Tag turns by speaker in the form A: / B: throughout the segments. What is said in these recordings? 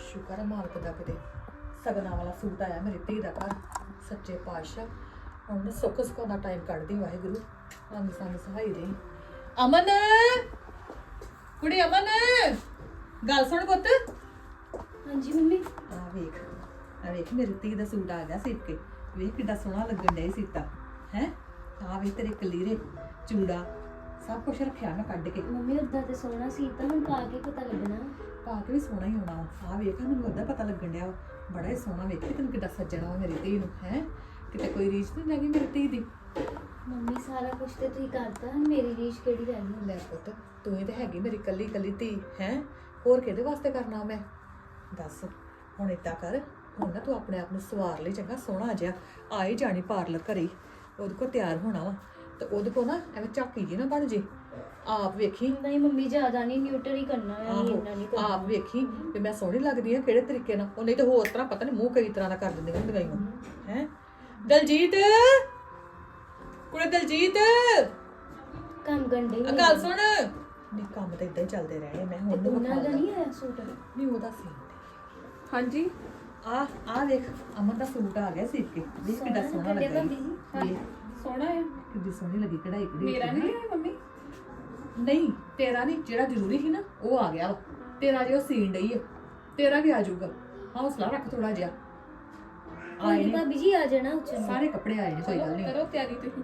A: ਸ਼ੁਕਰ ਹੈ ਮਾਲਕ ਦਾ ਕਿਤੇ ਸਗਨਾਂ ਵਾਲਾ ਸੂਟ ਆਇਆ ਮੇਰੀ ਧੀ ਦਾ ਘਰ। ਸੱਚੇ ਪਾਤਸ਼ਾਹ ਹੁਣ ਸੁੱਖ ਸੁੱਖ ਦਾ ਟਾਈਮ ਕੱਢਦੀ ਵਾਹਿਗੁਰੂ। ਰੰਗ ਸੰਗ ਸਹਾਈ ਰਹੀ। ਅਮਨ ਕੁੜੀ ਅਮਨ ਗੱਲ ਸੁਣ ਪੁੱਤ।
B: ਹਾਂਜੀ ਮੰਮੀ।
A: ਆ ਵੇਖ ਮੇਰੀ ਧੀ ਦਾ ਸੂਟ ਆ ਗਿਆ ਸੀਪ ਕੇ। ਵੇਖ ਕਿੱਡਾ ਸੋਹਣਾ ਲੱਗਣ ਡਿਆ ਸੀਤਾ ਹੈ। ਆ ਵੇਖ ਤੇਰੇ ਕਲੀਰੇ ਚੂੜਾ ਸਭ ਕੁਝ ਰੱਖਿਆ ਮੈਂ ਕੱਢ ਕੇ।
B: ਮੰਮੀ ਉਦਾਂ ਤੇ ਸੋਹਣਾ ਸੀ ਤਾਂ ਹੁਣ ਪਾ ਕੇ ਪਤਾ ਲੱਗਣਾ।
A: ਪਾ ਕੇ ਵੀ ਸੋਹਣਾ ਹੀ ਹੋਣਾ। ਆ ਵੇਖ ਮੈਨੂੰ ਅੱਧਾ ਪਤਾ ਲੱਗਣ ਡਿਆ ਬੜਾ ਹੀ ਸੋਹਣਾ। ਵੇਖ ਤੈਨੂੰ ਕਿੱਡਾ ਸੱਜਣਾ ਵਾ ਮੇਰੀ ਧੀ ਨੂੰ ਹੈ। ਕਿਤੇ ਕੋਈ ਰੀਝ ਨਹੀਂ ਲੱਗੀ ਮੇਰੀ ਧੀ ਦੀ।
B: ਮੰਮੀ ਸਾਰਾ ਕੁਝ ਤੇ ਤੁਸੀਂ ਕਰਤਾ, ਮੇਰੀ ਰੀਝ ਕਿਹੜੀ ਰਹਿ ਗਈ।
A: ਲੈ ਪੁੱਤ ਤੂੰ ਹੀ ਤੇ ਹੈਗੀ ਮੇਰੀ ਕੱਲੀ ਕੱਲੀ ਧੀ ਹੈ। ਹੋਰ ਕਿਹਦੇ ਵਾਸਤੇ ਕਰਨਾ ਮੈਂ ਦੱਸ। ਹੁਣ ਏਦਾਂ ਕਰ, ਹੁਣ ਨਾ ਤੂੰ ਆਪਣੇ ਆਪ ਨੂੰ ਸਵਾਰ ਲਈ ਚੰਗਾ ਸੋਹਣਾ ਜਿਹਾ। ਆ ਹੀ ਜਾਣੀ ਪਾਰਲਰ ਘਰੇ, ਉਹਦੇ ਕੋਲ ਤਿਆਰ ਹੋਣਾ ਵਾ ਤੇ ਉਹਦੇ ਕੋਲ ਨਾ ਐਵੇਂ ਝਾਕੀ ਜੀ ਨਾ ਬਣ ਜੇ। ਆਪ ਵੇਖੀ।
B: ਨਹੀਂ ਮੰਮੀ ਜ਼ਿਆਦਾ ਨਹੀਂ, ਨਿਊਟਰ ਹੀ ਕਰਨਾ ਹੈ, ਇੰਨਾ ਨਹੀਂ ਕਰਨਾ।
A: ਆਪ ਵੇਖੀ ਵੀ ਮੈਂ ਸੋਹਣੀ ਲੱਗਦੀ ਆ ਕਿਹੜੇ ਤਰੀਕੇ ਨਾਲ। ਉਹ ਨਹੀਂ ਤਾਂ ਹੋਰ ਤਰ੍ਹਾਂ ਪਤਾ ਨਹੀਂ ਮੂੰਹ ਕਈ ਤਰ੍ਹਾਂ ਦਾ ਕਰ ਦਿੰਦੀਆਂ ਹੁੰਦੀਆਂ ਹੀ ਹੈ। ਦਲਜੀਤ ਕੁੜੇ ਦਲਜੀਤ
B: ਕੰਮ ਗੰਡੇ
A: ਗੱਲ ਸੁਣ। ਨਹੀਂ ਕੰਮ ਤਾਂ ਇਦਾਂ ਹੀ ਚੱਲਦੇ ਰਹੇ। ਮੈਂ ਹੁਣ ਨੂੰ
B: ਉਹਨਾਂ ਦਾ ਨਹੀਂ ਆਇਆ ਸੂਟ।
A: ਨਹੀਂ ਉਹਦਾ ਸੀ।
C: ਹਾਂਜੀ
A: ਆ ਵੇਖ ਅਮਨ ਦਾ ਸੂਟ ਆ ਗਿਆ ਸੀ ਕੇ। ਵੇਖ ਕਿੱਡਾ ਸੋਹਣਾ ਲੱਗਾ ਜੀ।
C: ਸੋਹਣਾ ਹੈ।
A: ਕਿੱਡੀ ਸੋਹਣੀ ਲੱਗੀ ਕਢਾਈ
C: ਮੇਰਾ ਨਹੀਂ ਹੈ ਮੰਮੀ।
A: ਨਹੀਂ ਤੇਰਾ ਨਹੀਂ, ਜਿਹੜਾ ਜ਼ਰੂਰੀ ਸੀ ਨਾ ਉਹ ਆ ਗਿਆ ਵਾ। ਤੇਰਾ ਜੇ ਉਹ ਸੀਨ ਡਈ ਆ ਤੇਰਾ ਵੀ ਆ ਜਾਊਗਾ। ਹੌਸਲਾ ਰੱਖ ਥੋੜਾ ਜਿਹਾ। ਆਏ ਨੇ
B: ਭਾਬੀ ਜੀ ਆ ਜਾਣਾ ਉੱਚਾ।
A: ਸਾਰੇ ਕੱਪੜੇ ਆਏ ਨੇ, ਕੋਈ ਗੱਲ ਨਹੀਂ।
C: ਕਰੋ ਤਿਆਰੀ ਤੁਸੀਂ।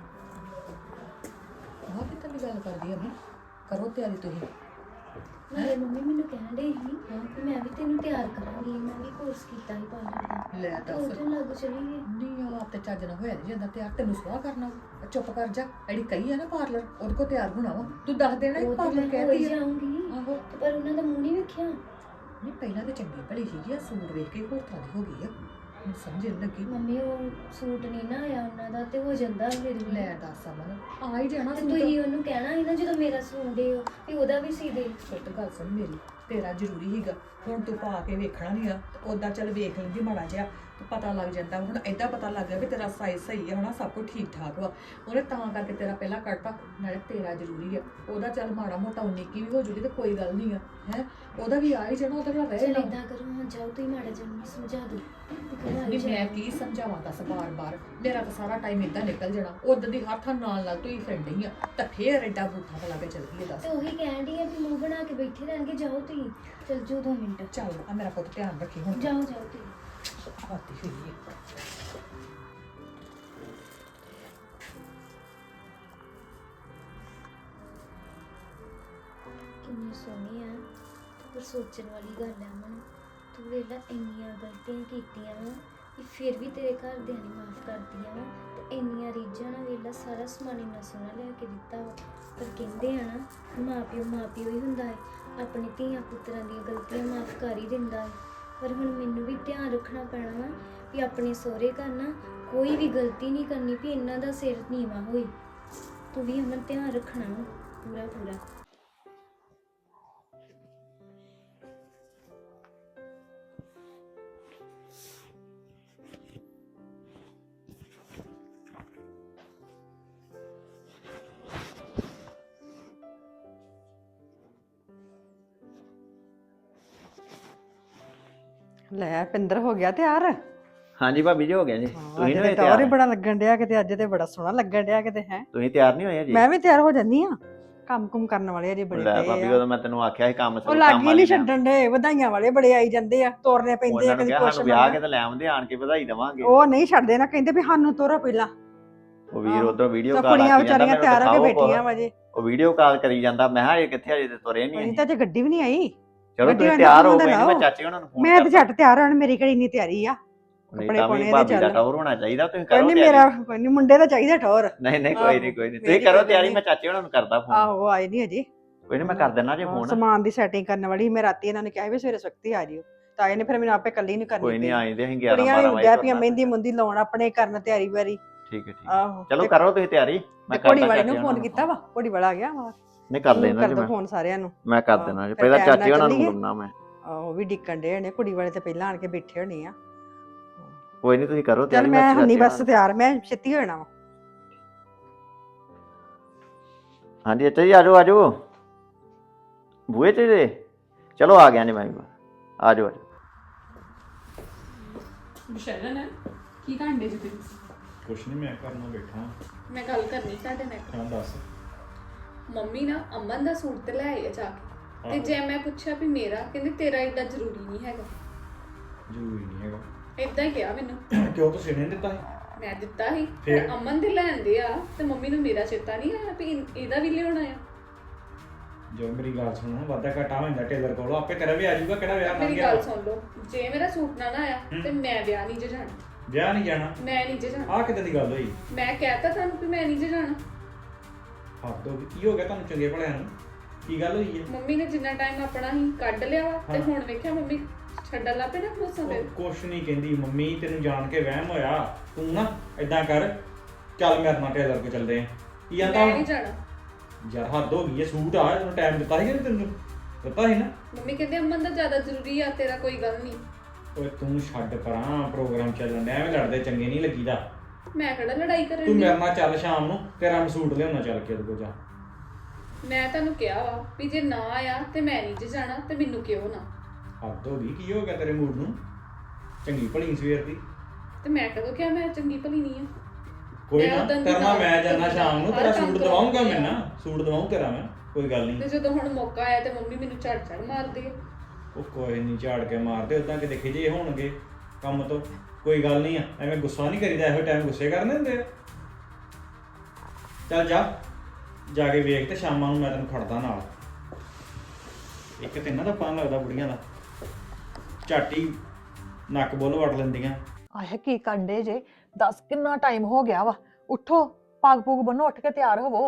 A: ਆਹ ਕਿੱਦਾਂ ਦੀ ਗੱਲ ਕਰਦੀ ਆ ਮੈਂ। ਕਰੋ ਤਿਆਰੀ ਤੁਸੀਂ।
B: ਮੇਰੇ ਮੰਮੀ ਮੈਨੂੰ ਕਹਿਣ ਡਈ ਸੀ ਕਿ ਮੈਂ ਵੀ ਤੈਨੂੰ ਤਿਆਰ ਕਰਾਂਗੀ। ਮੈਂ ਵੀ ਕੋਰਸ ਕੀਤਾ ਹੀ ਪਾਰਲਰ ਦਾ।
A: ਲੈ
B: ਉਹ
A: ਦੱਸ।
B: ਤੇ ਲੱਗ ਚਲੀ ਗਈ।
A: ਨਹੀਂ ਉਹ ਆਪ ਤੇ ਚੱਜ ਨਾ ਹੋਇਆ ਨਹੀਂ ਜਾਂਦਾ ਤਿਆਰ। ਤੈਨੂੰ ਸਵਾਹ ਕਰਨਾ ਵਾ। ਚੁੱਪ ਕਰ ਜਾ। ਜਿਹੜੀ ਕਹੀ ਆ ਨਾ ਪਾਰਲਰ ਉਹਦੇ ਕੋਲ ਤਿਆਰ ਹੋਣਾ ਵਾ। ਤੂੰ ਦੱਸ ਦੇਣਾ
B: ਉਹ ਤੇ
A: ਪਾਰਲਰ
B: ਮੈਂ
A: ਕਹਿਤੀ
B: ਹੋਈ
A: ਆ।
B: ਜਾਊਂਗੀ,
A: ਆਹੋ
B: ਪਰ ਉਹਨਾਂ ਦਾ ਮੂੰਹ ਨਹੀਂ ਵੇਖਿਆ।
A: ਨਹੀਂ ਪਹਿਲਾਂ ਤੇ ਚੰਗੀ ਭਲੀ ਸੀਗੀ। ਆ ਸੂਟ ਵੇਖ ਕੇ ਹੋਰ ਤਰ੍ਹਾਂ ਦੀ ਹੋ ਗਈ ਆ। ਮੈਨੂੰ ਸਮਝ ਨਹੀਂ ਲੱਗੀ।
B: ਮੰਮੀ ਉਹ ਸੂਟ ਨਹੀਂ ਨਾ ਆਇਆ ਉਹਨਾਂ ਦਾ ਤੇ ਹੋ ਜਾਂਦਾ ਫਿਰ ਵੀ।
A: ਲੈ ਦੱਸ ਅਮਨ ਆ ਹੀ ਜਾਣਾ
B: ਤੇ
A: ਸੂਟ।
B: ਤੁਸੀਂ ਉਹਨੂੰ ਕਹਿਣਾ ਸੀ ਨਾ ਜਦੋਂ ਮੇਰਾ ਸੂਟ ਦੇ ਵੀ ਉਹਦਾ ਵੀ ਸੀ ਦੇ।
A: ਪੁੱਤ ਗੱਲ ਸੁਣ ਮੇਰੀ, ਤੇਰਾ ਜ਼ਰੂਰੀ ਹੀਗਾ। ਹੁਣ ਤੂੰ ਪਾ ਕੇ ਵੇਖਣਾ ਨਹੀਂ ਆ। ਉਦਾਂ ਚੱਲ ਵੇਖ ਲੈਂਦੀ ਮਾੜਾ ਜਿਹਾ ਤੇ ਪਤਾ ਲੱਗ ਜਾਂਦਾ। ਹੁਣ ਏਦਾਂ ਪਤਾ ਲੱਗ ਗਿਆ ਵੀ ਤੇਰਾ ਸਾਈਜ਼ ਸਹੀ ਹੈ ਹਨਾ, ਸਭ ਕੁਝ ਠੀਕ ਠਾਕ ਵਾ। ਉਹਨੇ ਤਾਂ ਕਰਕੇ ਤੇਰਾ ਪਹਿਲਾਂ ਕੱਟਤਾ। ਨਾਲੇ ਤੇਰਾ ਜ਼ਰੂਰੀ ਆ। ਉਹਦਾ ਚੱਲ ਮਾੜਾ ਮੋਟਾ 19 ਕੀ ਵੀ ਹੋ ਜੂਗੀ ਤੇ ਕੋਈ ਗੱਲ ਨਹੀਂ ਆ ਹੈ। ਉਹਦਾ ਵੀ ਆ ਹੀ ਜਾਣਾ, ਉਹਦੇ ਨਾਲ
B: ਚਲ
A: ਰਹੇ ਨਾ।
B: ਏਦਾਂ ਕਰੋ ਹਾਂ, ਜਾਓ ਤੁਸੀਂ ਮਾੜਾ ਜਿਹਾ ਮੈਨੂੰ ਸਮਝਾ ਦਿਓ।
A: ਨਹੀਂ ਮੈਂ ਕੀ ਸਮਝਾਵਾਂ ਦੱਸ ਬਾਰ-ਬਾਰ। ਮੇਰਾ ਤਾਂ ਸਾਰਾ ਟਾਈਮ ਏਦਾਂ ਨਿਕਲ ਜਾਣਾ। ਉਦੋਂ ਦੀ ਹੱਥ ਨਾਲ ਤੂੰ ਹੀ ਫਿਰਨ ਡਈ ਆ ਤਾਂ ਫੇਰ ਏਡਾ ਬੂਠਾ ਬਲਾ ਕੇ ਚੱਲ ਗਈ ਦੱਸ।
B: ਤੇ ਉਹੀ ਕਹਿਣ ਡਈ ਆ ਵੀ ਮੂੰਹ ਬਣਾ ਕੇ ਬੈਠੇ ਰਹਿਣਗੇ। ਜਾਓ ਤੁਸੀਂ, ਚਲ ਜਾਓ 2 ਮਿੰਟ।
A: ਚੱਲ ਆ ਮੇਰਾ ਪੁੱਤ ਧਿਆਨ ਰੱਖੀ ਹੁਣ।
B: ਜਾਓ ਜਾਓ ਤੁਸੀਂ।
A: ਆਤੀ ਹੋਈ ਹੈ।
B: ਕਿੰਨੀ ਸੋਹਣੀ ਆ, ਪਰ ਸੋਚਣ ਵਾਲੀ ਗੱਲ ਆ ਮਨ। ਤੂੰ ਵੇਲਾ ਇੰਨੀਆਂ ਗਲਤੀਆਂ ਕੀਤੀਆਂ ਵਾ ਕਿ ਫਿਰ ਵੀ ਤੇਰੇ ਘਰਦਿਆਂ ਨੇ ਮਾਫ ਕਰਤੀਆਂ ਵਾ। ਤੇ ਇੰਨੀਆਂ ਰੀਝਾਂ ਨਾਲ ਵੇਲਾ ਸਾਰਾ ਸਮਾਨ ਇੰਨਾ ਸੋਹਣਾ ਲਿਆ ਕੇ ਦਿੱਤਾ ਵਾ। ਪਰ ਕਹਿੰਦੇ ਆ ਨਾ ਮਾਂ ਪਿਓ ਹੀ ਹੁੰਦਾ ਹੈ। ਆਪਣੇ ਧੀਆਂ ਪੁੱਤਰਾਂ ਦੀਆਂ ਗਲਤੀਆਂ ਮਾਫ ਕਰ ਹੀ ਦਿੰਦਾ ਹੈ। ਪਰ ਹੁਣ ਮੈਨੂੰ ਵੀ ਧਿਆਨ ਰੱਖਣਾ ਪੈਣਾ ਵਾ ਵੀ ਆਪਣੇ ਸਹੁਰੇ ਘਰ ਨਾ ਕੋਈ ਵੀ ਗਲਤੀ ਨਹੀਂ ਕਰਨੀ ਵੀ ਇਹਨਾਂ ਦਾ ਸਿਰ ਨੀਵਾਂ ਹੋਏ। ਤੂੰ ਵੀ ਅਮਨ ਧਿਆਨ ਰੱਖਣਾ ਵਾ ਪੂਰਾ ਪੂਰਾ।
D: ਲੈ ਪਿੰਦਰ ਹੋ ਗਿਆ ਤਿਆਰ।
E: ਹਾਂਜੀ ਭਾਬੀ ਜੀ ਹੋ ਗਿਆ ਜੀ। ਤੁਸੀਂ ਨਹੀਂ ਹੋਏ
D: ਟੌਰ ਹੀ
E: ਤਿਆਰ?
D: ਬੜਾ ਲੱਗਣ ਡਿਆ ਕਿਤੇ। ਅੱਜ ਤੇ ਬੜਾ ਸੋਹਣਾ ਲੱਗਣ ਡਿਆ ਕਿਤੇ ਹੈ।
E: ਤੁਸੀਂ ਤਿਆਰ ਨਹੀਂ ਹੋਏ ਜੀ?
D: ਮੈਂ ਵੀ ਤਿਆਰ ਹੋ ਜਾਂਦੀ ਆ। ਕੰਮ ਕੁਮ ਕਰਨ ਵਾਲੇ ਅਜੇ ਬੜੇ
E: ਲੈ
D: ਪਏ
E: ਭਾਬੀ
D: ਆ।
E: ਉਦੋਂ ਮੈਂ ਤੈਨੂੰ ਆਖਿਆ ਸੀ ਕੰਮ
D: ਉਹ
E: ਸ਼ੁਰੂ
D: ਲੱਗ
E: ਕੰਮ
D: ਹੀ
E: ਵਾਲੀ
D: ਨਹੀਂ
E: ਦਾ।
D: ਛੱਡਣ ਦੇ। ਵਧਾਈਆਂ ਵਾਲੇ ਬੜੇ ਆਈ ਜਾਂਦੇ ਆ, ਤੋਰਨੇ ਪੈਂਦੇ ਆ
E: ਉਹਨਾਂ ਨੂੰ
D: ਕਦੀ
E: ਕਿਹਾ
D: ਕੁਛ
E: ਸਾਨੂੰ ਵਿਆਹ ਕੇ
D: ਮੰਗਾ।
E: ਤਾਂ ਲੈ ਆਉਂਦੇ ਆਣ ਕੇ ਵਧਾਈ ਦੇਵਾਂਗੇ।
D: ਉਹ ਨਹੀਂ ਛੱਡਦੇ ਨਾ, ਕਹਿੰਦੇ ਵੀ ਸਾਨੂੰ ਤੋਰੋ ਪਹਿਲਾਂ।
E: ਉਹ ਵੀਰ
D: ਆਹੋ।
E: ਉਧਰ ਵੀਡੀਓ
D: ਤਾਂ
E: ਕਾਲ
D: ਕੁੜੀਆਂ
E: ਕਰੀ ਜਾਂਦਾ,
D: ਵਿਚਾਰੀਆਂ
E: ਮੈਨੂੰ
D: ਤਿਆਰ ਹੋ ਕੇ
E: ਦਿਖਾਓ
D: ਬੈਠੀਆਂ ਵਜੇ।
E: ਉਹ ਵੀਡੀਓ ਕਾਲ ਕਰੀ ਜਾਂਦਾ। ਮੈਂ ਕਿਹਾ ਇਹ ਕਿੱਥੇ ਅਜੇ ਤੇ ਤੁਰੇ ਨਹੀਂ
D: ਅਜੇ
E: ਅਸੀਂ।
D: ਤਾਂ ਜੇ ਗੱਡੀ ਵੀ ਨਹੀਂ ਆਈ।
E: ਚਲੋ
D: ਗੱਡੀ
E: ਤੁਸੀਂ
D: ਵਾਲੇ
E: ਤਿਆਰ ਹੋ
D: ਨੂੰ
E: ਗਏ। ਮੈਂ
D: ਲਾਓ।
E: ਚਾਚੇ ਉਹਨਾਂ ਨੂੰ ਫੋਨ
D: ਮੈਂ ਤੇ ਝੱਟ ਤਿਆਰ ਹੋਣ, ਮੇਰੀ ਕਿਹੜੀ ਇੰਨੀ ਤਿਆਰੀ ਆ।
E: ਨਹੀਂ
D: ਕੱਪੜੇ
E: ਤਾਂ
D: ਪਾਉਣੇ
E: ਵੀ
D: ਇਹਦੇ
E: ਭਾਬੀ ਦਾ
D: ਚੱਲ।
E: ਟੌਰ ਹੋਣਾ ਚਾਹੀਦਾ। ਤੁਸੀਂ
D: ਕੋਈ
E: ਕਰੋ
D: ਨਹੀਂ
E: ਤਿਆਰੀ।
D: ਮੇਰਾ ਕੋਈ ਨਹੀਂ, ਮੁੰਡੇ ਦਾ ਚਾਹੀਦਾ ਟੌਰ।
E: ਨਹੀਂ ਨਹੀਂ ਕੋਈ ਨਹੀਂ ਕੋਈ ਨਹੀਂ। ਤੁਸੀਂ
D: ਮੇਰੀ
E: ਕਰੋ
D: ਕੋਈ
E: ਤਿਆਰੀ।
D: ਨਹੀਂ।
E: ਮੈਂ ਚਾਚੇ ਉਹਨਾਂ ਨੂੰ ਕਰਦਾ ਫੋਨ।
D: ਆਹੋ ਆਏ ਨਹੀਂ ਅਜੇ।
E: ਕੋਈ ਨਹੀਂ ਮੈਂ ਕਰ ਦਿੰਦਾ ਜੇ ਫੋਨ।
D: ਸਮਾਨ ਦੀ ਸੈਟਿੰਗ ਕਰਨ ਵਾਲੀ ਮੈਂ ਰਾਤੀ ਇਹਨਾਂ ਨੇ ਕਿਹਾ ਵੀ ਸਵੇਰੇ ਸਖਤੀ ਆ ਜਿਓ। ਤਾਂ ਇਹਨੇ ਫਿਰ ਮੈਨੂੰ ਆਪੇ ਕੱਲੀ ਨਹੀਂ ਕਰਨੀ
E: ਕੋਈ ਨਹੀਂ
D: ਪਈ।
E: ਆਏਂਦੇ ਅਸੀਂ 11
D: ਕੁੜੀਆਂ
E: 12
D: ਵੀ
E: ਵਜੇ
D: ਡੈ ਪਈਆਂ
E: ਤੁਰਨਾ।
D: ਮਹਿੰਦੀ ਮੁੰਦੀ ਲਾਉਣ ਆਪਣੇ ਕਰਨ ਤਿਆਰੀ ਵਾਰੀ।
E: ਠੀਕ ਹੈ ਠੀਕ ਹੈ।
D: ਆਹੋ
E: ਚਲੋ
D: ਤੇ
E: ਕਰੋ ਤੁਸੀਂ ਤਿਆਰੀ। ਮੈਂ
D: ਘੋੜੀ
E: ਕਰਦਾ
D: ਵਾਲੇ
E: ਚਾਚੇ
D: ਨੂੰ
E: ਉਹਨਾਂ
D: ਫੋਨ ਕੀਤਾ ਵਾ। ਘੋੜੀ ਵਾਲਾ ਆ ਗਿਆ ਵਾ।
E: ਨਹੀਂ ਕਰ ਲੈਣਾ ਜੀ
D: ਕਰ ਦੋ
E: ਮੈਂ।
D: ਫੋਨ ਸਾਰਿਆਂ ਨੂੰ।
E: ਮੈਂ ਕਰ
D: ਹਾਂ,
E: ਦੇਣਾ ਜੀ।
D: ਫਿਰ
E: ਪਹਿਲਾਂ
D: ਟਾਈਮ ਨਾਲ
E: ਚਾਚੇ ਉਹਨਾਂ ਨੂੰ
D: ਚੱਲੀਏ।
E: ਬੁਲਾਉਣਾ ਮੈਂ।
D: ਉਹ ਵੀ ਡਿੱਕਣ ਡੇ ਨੇ। ਕੁੜੀ ਵਾਲੇ ਤੇ ਪਹਿਲਾਂ ਆਣ ਕੇ ਬੈਠੇ ਹੋਣੇ ਆ।
E: ਕੋਈ ਨਹੀਂ ਤੁਸੀਂ ਕਰੋ
D: ਚੱਲ
E: ਤਿਆਰੀ।
D: ਮੈਂ ਹੰਨੀ
E: ਚਾਚੇ
D: ਬਸ
E: ਨਾਲ-
D: ਤਿਆਰ। ਮੈਂ ਛੇਤੀ ਹੋ ਜਾਣਾ ਵਾ।
E: ਹਾਂਜੀ ਅੱਛਾ ਜੀ ਆਜੋ ਆਜੋ। ਬੂਹੇ ਤੇ ਜੇ ਚਲੋ ਆ ਗਿਆ ਜੀ ਮੈਂ ਵੀ। ਆਜੋ ਆਜੋ।
C: ਬਿਸ਼ਰਨ ਕੀ ਕਾਂਡੇ ਜੀ ਤੁਸੀਂ?
F: ਕੁਛ ਨਹੀਂ, ਮੈਂ ਘਰ ਨੂੰ ਬੈਠਾ।
C: ਮੈਂ ਗੱਲ ਕਰਨੀ ਤੁਹਾਡੇ ਨਾਲ।
F: ਹਾਂ ਦੱਸ।
C: ਮੰਮੀ ਨਾ ਅਮਨ ਦਾ ਸੂਟ ਤੇ ਲੈ ਆਏ ਆ ਜਾ ਕੇ, ਤੇ
F: ਆਹੋ।
C: ਜੇ ਮੈਂ ਪੁੱਛਿਆ ਵੀ ਮੇਰਾ, ਕਹਿੰਦੇ ਤੇਰਾ ਏਡਾ ਜ਼ਰੂਰੀ ਨਹੀਂ ਹੈਗਾ।
F: ਜ਼ਰੂਰੀ ਨਹੀਂ ਹੈਗਾ।
C: ਏਦਾਂ ਹੀ ਕਿਹਾ ਮੈਨੂੰ।
F: ਕਿਉਂ ਤੁਸੀਂ ਨੇ ਦਿੱਤਾ ਸੀ?
C: ਮੈਂ ਦਿੱਤਾ ਸੀ
F: ਫਿਰ?
C: ਪਰ ਅਮਨ ਦੇ ਲੈਂਦੇ ਆ ਤੇ ਮੰਮੀ ਨੂੰ ਮੇਰਾ ਚੇਤਾ ਨਹੀਂ ਆਇਆ ਵੀ ਇਹਦਾ ਵੀ ਲਿਆਉਣਾ ਆ।
F: ਜੋ ਮੇਰੀ ਗੱਲ ਸੁਣੋ, ਵਾਧਾ ਘਟਾ ਹੋ ਜਾਂਦਾ ਟੇਲਰ ਕੋਲੋਂ, ਆਪੇ ਤੇਰਾ ਵੀ ਆ ਜਾਊਗਾ। ਕਿਹੜਾ ਵਿਆਹ ਨਾ
C: ਮੇਰੀ
F: ਗਿਆ?
C: ਗੱਲ ਸੁਣ ਲਓ, ਜੇ ਮੇਰਾ ਸੂਟ ਨਾ ਆਇਆ ਤੇ ਮੈਂ ਵਿਆਹ ਨਹੀਂ ਜੇ ਜਾਣਾ।
F: ਵਿਆਹ ਨਹੀਂ ਜਾਣਾ?
C: ਮੈਂ ਨਹੀਂ ਜੇ ਜਾਣਾ।
F: ਆਹ ਕਿੱਦਾਂ ਦੀ ਗੱਲ ਹੋਈ?
C: ਮੈਂ ਕਹਿਤਾ ਤੁਹਾਨੂੰ ਵੀ ਮੈਂ ਨਹੀਂ ਜੇ ਜਾਣਾ।
F: ਹੱਦ ਹੋ ਗਈ। ਕੀ ਹੋ ਗਿਆ ਤੁਹਾਨੂੰ ਚੰਗੇ ਭਲਿਆਂ ਨੂੰ? ਕੀ ਗੱਲ ਹੋਈ ਹੈ?
C: ਮੰਮੀ ਨੇ ਜਿੰਨਾ ਟਾਈਮ ਆਪਣਾ ਹੀ ਕੱਢ ਲਿਆ ਵਾ ਤੇ
F: ਹਾਂ।
C: ਹੁਣ ਵੇਖਿਆ ਮੰਮੀ ਛੱਡਣ ਲੱਗ ਪਏ ਨਾ ਮੋਸਾ
F: ਉਹ
C: ਫਿਰ।
F: ਕੁਛ ਨਹੀਂ ਕਹਿੰਦੀ ਮੰਮੀ, ਤੈਨੂੰ ਜਾਣ ਕੇ ਵਹਿਮ ਹੋਇਆ। ਤੂੰ ਨਾ ਏਦਾਂ ਕਰ, ਚੱਲ ਮੇਰੇ ਨਾਲ ਟੇਲਰ ਕੋਲ ਚੱਲਦੇ ਆਂ। ਕੀ ਆਂਦਾ?
C: ਮੈਂ ਨਹੀਂ ਜਾਣਾ।
F: ਯਾਰ ਹੱਦ ਹੋ ਗਈ ਹੈ। ਸੂਟ ਆ, ਤੈਨੂੰ ਟਾਈਮ ਦਿੱਤਾ ਸੀ ਕਿ ਨਹੀਂ? ਤੈਨੂੰ ਦਿੱਤਾ ਸੀ ਨਾ।
C: ਮੰਮੀ ਕਹਿੰਦੇ ਅਮਨ ਦਾ ਜ਼ਿਆਦਾ ਜ਼ਰੂਰੀ ਆ, ਤੇਰਾ ਕੋਈ ਗੱਲ ਨਹੀਂ।
F: ਓਏ ਤੂੰ ਛੱਡ ਪਰਾਂ, ਪ੍ਰੋਗਰਾਮ ਚੱਲਣ ਡਿਆ, ਐਵੇਂ ਲੜਦੇ ਚੰਗੇ ਨਹੀਂ ਲੱਗੀਦਾ।
C: ਮੈਂ ਕਿਹੜਾ ਲੜਾਈ ਕਰਨ
F: ਤੂੰ
C: ਦੀ।
F: ਮੇਰੇ ਨਾਲ ਚੱਲ ਸ਼ਾਮ ਨੂੰ, ਤੇਰਾ ਮੈਂ ਸੂਟ ਲਿਆਉਣਾ ਚੱਲ ਕੇ ਉਹਦੇ ਕੋਲ ਜਾ।
C: ਮੈਂ ਤੁਹਾਨੂੰ ਕਿਹਾ ਵਾ ਵੀ ਜੇ ਨਾ ਆਇਆ ਤੇ ਮੈਂ ਨਹੀਂ ਜੇ ਜਾਣਾ ਤੇ ਮੈਨੂੰ ਕਿਉਂ ਨਾ।
F: ਹੱਦ ਹੋ ਗਈ। ਕੀ ਹੋ ਗਿਆ ਤੇਰੇ ਮੂਡ ਨੂੰ? ਚੰਗੀ ਭਲੀ ਸਵੇਰ ਦੀ।
C: ਤੇ ਮੈਂ ਕਦੋਂ ਕਿਹਾ ਮੈਂ ਚੰਗੀ ਭਲੀ ਨਹੀਂ ਆ।
F: ਕੋਈ
C: ਮੈਂ
F: ਨਾ,
C: ਉਦੋਂ ਦੀ
F: ਤੇਰਾ ਨਾਲ ਮੈਂ ਜਾਣਾ
C: ਹਰ
F: ਸ਼ਾਮ ਨੂੰ,
C: ਕੰਮ
F: ਤੇਰਾ ਸੂਟ ਦਵਾਉਂਗਾ ਮੈਂ
C: ਕਰਾਉਂਦੀ
F: ਨਾ। ਸੂਟ ਦਵਾਉਂ ਤੇਰਾ ਮੈਂ, ਕੋਈ ਗੱਲ
C: ਤੇ
F: ਨਹੀਂ।
C: ਜਦੋਂ ਹੁਣ ਮੌਕਾ ਆਇਆ ਤੇ ਮੰਮੀ ਮੈਨੂੰ ਝੜ ਮਾਰਦੀ ਆ।
F: ਉਹ ਕੋਈ ਨਹੀਂ, ਝਾੜ ਕੇ ਮਾਰਦੇ ਉਦਾਂ ਕਿ ਦੇਖੇ ਜੇ ਹੋਣਗੇ ਕੰਮ ਤੋਂ। ਕੋਈ ਗੱਲ ਨਹੀਂ ਆ, ਐਵੇਂ ਗੁੱਸਾ ਨਹੀਂ ਕਰੀਦਾ। ਇਹੋ ਟਾਈਮ ਗੁੱਸੇ ਕਰਨੇ ਹੁੰਦੇ ਆ। ਚੱਲ ਜਾ, ਜਾ ਕੇ ਵੇਖ ਤੇ ਸ਼ਾਮਾਂ ਨੂੰ ਮੈਂ ਤੈਨੂੰ ਖੜਦਾ ਨਾਲ। ਇੱਕ ਤੇ ਇਹਨਾਂ ਦਾ ਪਤਾ ਲੱਗਦਾ ਬੁੜੀਆਂ ਦਾ, ਝਾਟੀ ਨੱਕ ਬੁੱਲ ਵੜ ਲੈਂਦੀਆਂ।
A: ਆਏ ਕੀ ਕੰਡੇ ਜੇ? ਦੱਸ ਕਿੰਨਾ ਟਾਈਮ ਹੋ ਗਿਆ ਵਾ? ਉੱਠੋ, ਪੱਗ ਪੁੱਗ ਬੰਨੋ, ਉੱਠ ਕੇ ਤਿਆਰ ਹੋਵੋ।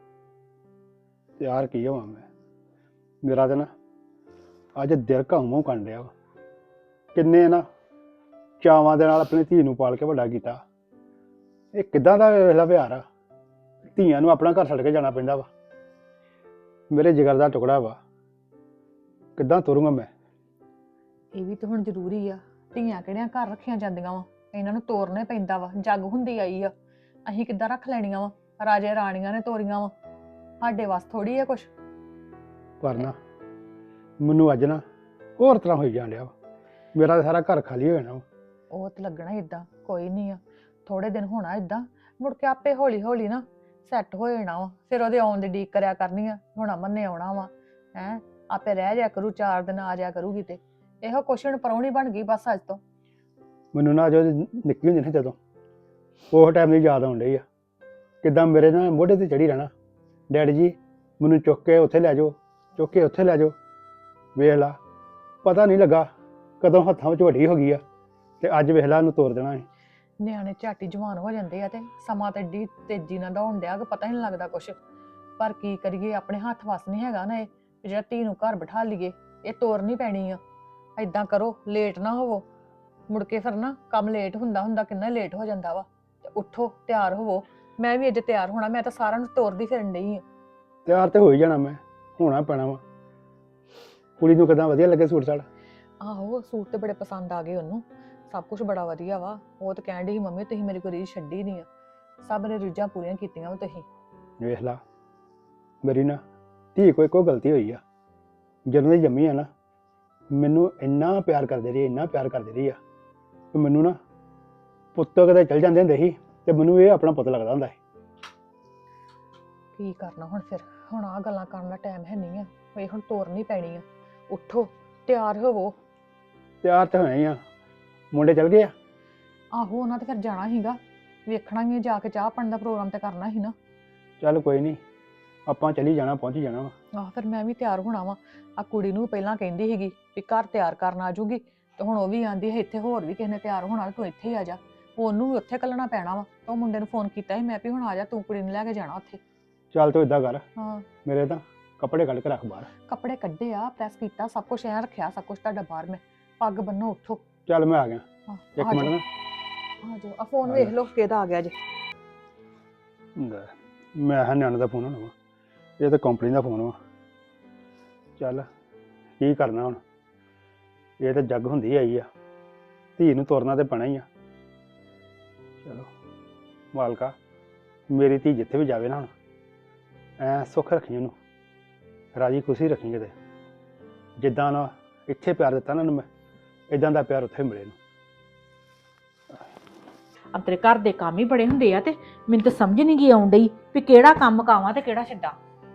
G: ਤਿਆਰ ਕੀ ਹੋਵਾਂ ਮੈਂ? ਮੇਰਾ ਤਾਂ ਨਾ ਅੱਜ ਦਿਲ ਘਾਉ ਕਰਨ ਡਿਆ ਵਾ। ਕਿੰਨੇ ਨਾ ਚਾਵਾਂ ਦੇ ਨਾਲ ਆਪਣੀ ਧੀ ਨੂੰ ਪਾਲ ਕੇ ਵੱਡਾ ਕੀਤਾ। ਇਹ ਕਿੱਦਾਂ ਦਾ ਵੇਖਲਾ ਵਿਹਾਰ ਆ? ਧੀਆਂ ਨੂੰ ਆਪਣਾ ਘਰ ਛੱਡ ਕੇ ਜਾਣਾ ਪੈਂਦਾ ਵਾ। ਮੇਰੇ ਜਿਗਰ ਦਾ ਟੁਕੜਾ ਵਾ, ਕਿੱਦਾਂ ਤੁਰੂੰਗਾ ਮੈਂ?
A: ਇਹ ਵੀ ਤਾਂ ਹੁਣ ਜ਼ਰੂਰੀ ਆ। ਧੀਆਂ ਕਿਹੜੀਆਂ ਘਰ ਰੱਖੀਆਂ ਜਾਂਦੀਆਂ ਵਾ, ਇਹਨਾਂ ਨੂੰ ਤੋਰਨੇ ਪੈਂਦਾ ਵਾ। ਜੱਗ ਹੁੰਦੀ ਆਈ ਆ, ਅਸੀਂ ਕਿੱਦਾਂ ਰੱਖ ਲੈਣੀਆਂ ਵਾ? ਰਾਜੇ ਰਾਣੀਆਂ ਨੇ ਤੋਰੀਆਂ ਵਾ, ਸਾਡੇ ਵਾਸ ਥੋੜੀ ਆ ਕੁਛ।
G: ਪਰ ਨਾ ਮੈਨੂੰ ਅੱਜ ਨਾ ਹੋਰ ਤਰ੍ਹਾਂ ਹੋਈ ਜਾਣ ਡਿਆ ਵਾ। ਮੇਰਾ ਤਾਂ ਸਾਰਾ ਘਰ ਖਾਲੀ ਹੋ ਜਾਣਾ ਵਾ।
A: ਉਹ ਤੇ ਲੱਗਣਾ ਇਦਾਂ, ਕੋਈ ਨਹੀਂ ਆ, ਥੋੜੇ ਦਿਨ ਹੋਣਾ ਇਦਾਂ, ਮੁੜ ਕੇ ਆਪੇ ਹੌਲੀ ਹੌਲੀ ਨਾ ਸੈੱਟ ਹੋ ਜਾਣਾ ਵਾ। ਫਿਰ ਉਹਦੇ ਆਉਣ ਦੀ ਡੀਕ ਕਰਿਆ ਕਰਨੀ ਆ। ਹੁਣ ਅਮਨ ਨੇ ਆਉਣਾ ਵਾ, ਹੈ ਆਪੇ ਰਹਿ ਜਾ ਕਰੂ, 4 ਦਿਨ ਆ ਜਾ ਕਰੂਗੀ। ਤੇ ਇਹੋ ਕੁਛ ਹੁਣ ਪਰੌਣੀ ਬਣ ਗਈ ਬਸ ਅੱਜ ਤੋਂ।
G: ਮੈਨੂੰ ਨਾ ਜੋ ਨਿੱਕੀ ਹੁੰਦੀ ਨਾ ਜਦੋਂ, ਉਹ ਟਾਈਮ ਦੀ ਯਾਦ ਆਉਣ ਡਈ ਆ। ਕਿੱਦਾਂ ਮੇਰੇ ਨਾਲ ਮੋਢੇ ਤੇ ਚੜੀ ਰਹਿਣਾ, ਡੈਡੀ ਜੀ ਮੈਨੂੰ ਚੁੱਕ ਕੇ ਉੱਥੇ ਲੈ ਜਾਓ, ਚੁੱਕ ਕੇ ਉੱਥੇ ਲੈ ਜਾਓ। ਵੇਖ ਲਾ, ਪਤਾ ਨਹੀਂ ਲੱਗਾ ਕਦੋਂ ਹੱਥਾਂ ਵਿੱਚ ਵੱਡੀ ਹੋ ਗਈ ਆ, ਤੇ ਅੱਜ ਵੇਖ ਲਾ ਇਹਨੂੰ ਤੋਰ ਦੇਣਾ ਹੈ।
A: ਨਿਆਣੇ ਝਾਟੀ ਜਵਾਨ ਹੋ ਜਾਂਦੇ ਆ, ਤੇ ਸਮਾਂ ਤੇ ਏਡੀ ਤੇਜ਼ੀ ਨਾਲ ਦੌੜਨ ਡਿਆ ਕਿ ਪਤਾ ਹੀ ਨਹੀਂ ਲੱਗਦਾ ਕੁਛ। ਪਰ ਕੀ ਕਰੀਏ, ਆਪਣੇ ਹੱਥ ਵੱਸ ਨਹੀਂ ਹੈਗਾ ਨਾ ਇਹ ਵੀ ਜਿਹੜਾ ਧੀ ਨੂੰ ਘਰ ਬਿਠਾ ਲਈਏ। ਇਹ ਤੋਰਨੀ ਪੈਣੀ ਆ। ਏਦਾਂ ਕਰੋ, ਲੇਟ ਨਾ ਹੋਵੋ, ਮੁੜ ਕੇ ਫਿਰ ਨਾ ਕੰਮ ਲੇਟ ਹੁੰਦਾ ਕਿੰਨਾ ਲੇਟ ਹੋ ਜਾਂਦਾ ਵਾ। ਤੇ ਉੱਠੋ, ਤਿਆਰ ਹੋਵੋ। ਮੈਂ ਵੀ ਅੱਜ ਤਿਆਰ ਹੋਣਾ, ਮੈਂ ਤਾਂ ਸਾਰਿਆਂ ਨੂੰ ਤੋਰਦੀ ਫਿਰਨ ਡਈ ਆ।
G: ਤਿਆਰ ਤੇ ਹੋ ਹੀ ਜਾਣਾ ਮੈਂ, ਹੋਣਾ ਪੈਣਾ ਵਾ। ਕੁੜੀ ਨੂੰ ਕਿੱਦਾਂ ਵਧੀਆ ਲੱਗੇ ਸੂਟ ਸਾੜ?
A: ਆਹੋ, ਸੂਟ ਤੇ ਬੜੇ ਪਸੰਦ ਆ ਗਏ ਉਹਨੂੰ, ਸਭ ਕੁਝ ਬੜਾ ਵਧੀਆ ਵਾ। ਉਹ ਤਾਂ ਕਹਿਣ ਡਈ ਸੀ, ਮੰਮੀ ਤੁਸੀਂ ਮੇਰੀ ਕੋਈ ਰੀਝ ਛੱਡੀ ਨਹੀਂ ਆ, ਸਭ ਨੇ ਰੀਝਾਂ ਪੂਰੀਆਂ ਕੀਤੀਆਂ ਵਾ ਤੁਸੀਂ।
G: ਵੇਖ ਲਾ, ਮੇਰੀ ਨਾ ਧੀ ਕੋਈ ਗਲਤੀ ਹੋਈ ਆ। ਜਦੋਂ ਦੀ ਜੰਮੀ ਆ ਨਾ, ਮੈਨੂੰ ਇੰਨਾ ਪਿਆਰ ਕਰਦੀ ਰਹੀ, ਇੰਨਾ ਪਿਆਰ ਕਰਦੀ ਰਹੀ ਆ ਕਿ ਮੈਨੂੰ ਨਾ ਪੁੱਤ ਕਦੇ ਚਲ ਜਾਂਦੇ ਹੁੰਦੇ ਸੀ ਤੇ ਮੈਨੂੰ ਇਹ ਆਪਣਾ ਪੁੱਤ ਲੱਗਦਾ ਹੁੰਦਾ ਸੀ।
A: ਕੀ ਕਰਨਾ ਹੁਣ ਫਿਰ? ਹੁਣ ਆਹ ਗੱਲਾਂ ਕਰਨ ਦਾ ਟਾਈਮ ਹੈ ਨਹੀਂ ਆ, ਇਹ ਹੁਣ ਤੋਰਨੀ ਪੈਣੀ ਆ। ਉੱਠੋ, ਤਿਆਰ ਹੋਵੋ।
G: ਤਿਆਰ ਤਾਂ ਹੋਏ ਆ, ਮੁੰਡੇ ਚਲ ਗਏ ਆ।
A: ਆਹੋ, ਉਹਨਾਂ ਤੇ ਫਿਰ ਜਾਣਾ ਸੀਗਾ, ਵੇਖਣਾ ਵੀ ਆ, ਜਾ ਕੇ ਚਾਹ ਪਾਣੀ ਦਾ ਪ੍ਰੋਗਰਾਮ ਤੇ ਕਰਨਾ ਸੀ ਨਾ।
G: ਚੱਲ ਕੋਈ ਨਹੀਂ, ਆਪਾਂ ਚਲੀ ਜਾਣਾ, ਪਹੁੰਚ ਜਾਣਾ ਵਾ।
A: ਆਹ ਫਿਰ ਮੈਂ ਵੀ ਤਿਆਰ ਹੋਣਾ ਵਾ। ਆ ਕੁੜੀ ਨੂੰ ਪਹਿਲਾਂ ਕਹਿੰਦੀ ਸੀਗੀ ਵੀ ਘਰ ਤਿਆਰ ਕਰਨ ਆ ਜੂਗੀ, ਤੇ ਹੁਣ ਉਹ ਵੀ ਆਂਦੀ ਹੈ ਇੱਥੇ ਹੋਰ ਵੀ ਕਿਸੇ ਨੇ ਤਿਆਰ ਹੋਣਾ, ਤੂੰ ਇੱਥੇ ਹੀ ਆ ਜਾ। ਉਹਨੂੰ ਵੀ ਉੱਥੇ ਕੱਲਣਾ ਪੈਣਾ ਵਾ। ਤਾਂ ਉਹ ਮੁੰਡੇ ਨੂੰ ਫੋਨ ਕੀਤਾ ਸੀ ਮੈਂ ਵੀ ਹੁਣ ਆ ਜਾ, ਤੂੰ ਕੁੜੀ ਨੂੰ ਲੈ ਕੇ ਜਾਣਾ ਉੱਥੇ।
G: ਚੱਲ ਤੂੰ ਇਦਾਂ ਕਰ,
A: ਹਾਂ,
G: ਮੇਰੇ ਤਾਂ ਕੱਪੜੇ ਕੱਢ ਕੇ ਰੱਖ ਬਾਹਰ।
A: ਕੱਪੜੇ ਕੱਢੇ ਆ, ਪ੍ਰੈਸ ਕੀਤਾ, ਸਭ ਕੁਝ ਐਂ ਰੱਖਿਆ, ਸਭ ਕੁਝ ਤੁਹਾਡਾ ਬਾਹਰ। ਮੈਂ ਪੱਗ ਬੰਨੋ, ਉੱਠੋ।
G: ਚੱਲ ਮੈਂ ਆ ਗਿਆ,
A: ਹਾਂ,
G: ਇੱਕ
A: ਆ
G: ਮਿੰਟ
A: ਜਾਓ,
G: ਨਾ।
A: ਆ ਜਾਓ। ਆ ਫੋਨ ਵੇਖ ਲਓ ਕਿਹਦਾ ਆ ਗਿਆ ਜੇ।
G: ਲੈ, ਮੈਂ ਹਾਂ ਨਿਆਣੇ ਦਾ ਫੋਨ ਹੋਣਾ ਵਾ, ਇਹ ਤਾਂ ਕੰਪਨੀ ਦਾ ਫੋਨ ਵਾ। ਚੱਲ ਕੀ ਕਰਨਾ ਹੁਣ, ਇਹ ਤਾਂ ਜੱਗ ਹੁੰਦੀ ਆਈ ਆ, ਧੀ ਨੂੰ ਤੁਰਨਾ ਤੇ ਪੈਣਾ ਹੀ ਆ। ਚਲੋ ਮਾਲਕਾ, ਮੇਰੀ ਧੀ ਜਿੱਥੇ ਵੀ ਜਾਵੇ ਨਾ ਹੁਣ ਐ ਸੁੱਖ ਰੱਖੀ ਉਹਨੂੰ, ਰਾਜੀ ਖੁਸ਼ੀ ਰੱਖੀ। ਕਿਤੇ ਜਿੱਦਾਂ ਨਾ ਇੱਥੇ ਪਿਆਰ ਦਿੱਤਾ ਨਾ ਉਹਨੂੰ ਮੈਂ, ਇਦਾਂ ਦਾ ਪਿਆਰ ਉੱਥੇ ਮਿਲੇ ਨੂੰ।
H: ਅਬ ਤੇਰੇ ਘਰ ਦੇ ਕੰਮ ਹੀ ਬੜੇ ਹੁੰਦੇ ਆ ਤੇ ਮੈਨੂੰ ਤਾਂ ਸਮਝ ਨਹੀਂ ਗਈ ਆਉਣ ਡਈ ਵੀ ਕਿਹੜਾ ਕੰਮ ਕਾਵਾਂ ਤੇ ਕਿਹੜਾ ਛੱਡਾਂ।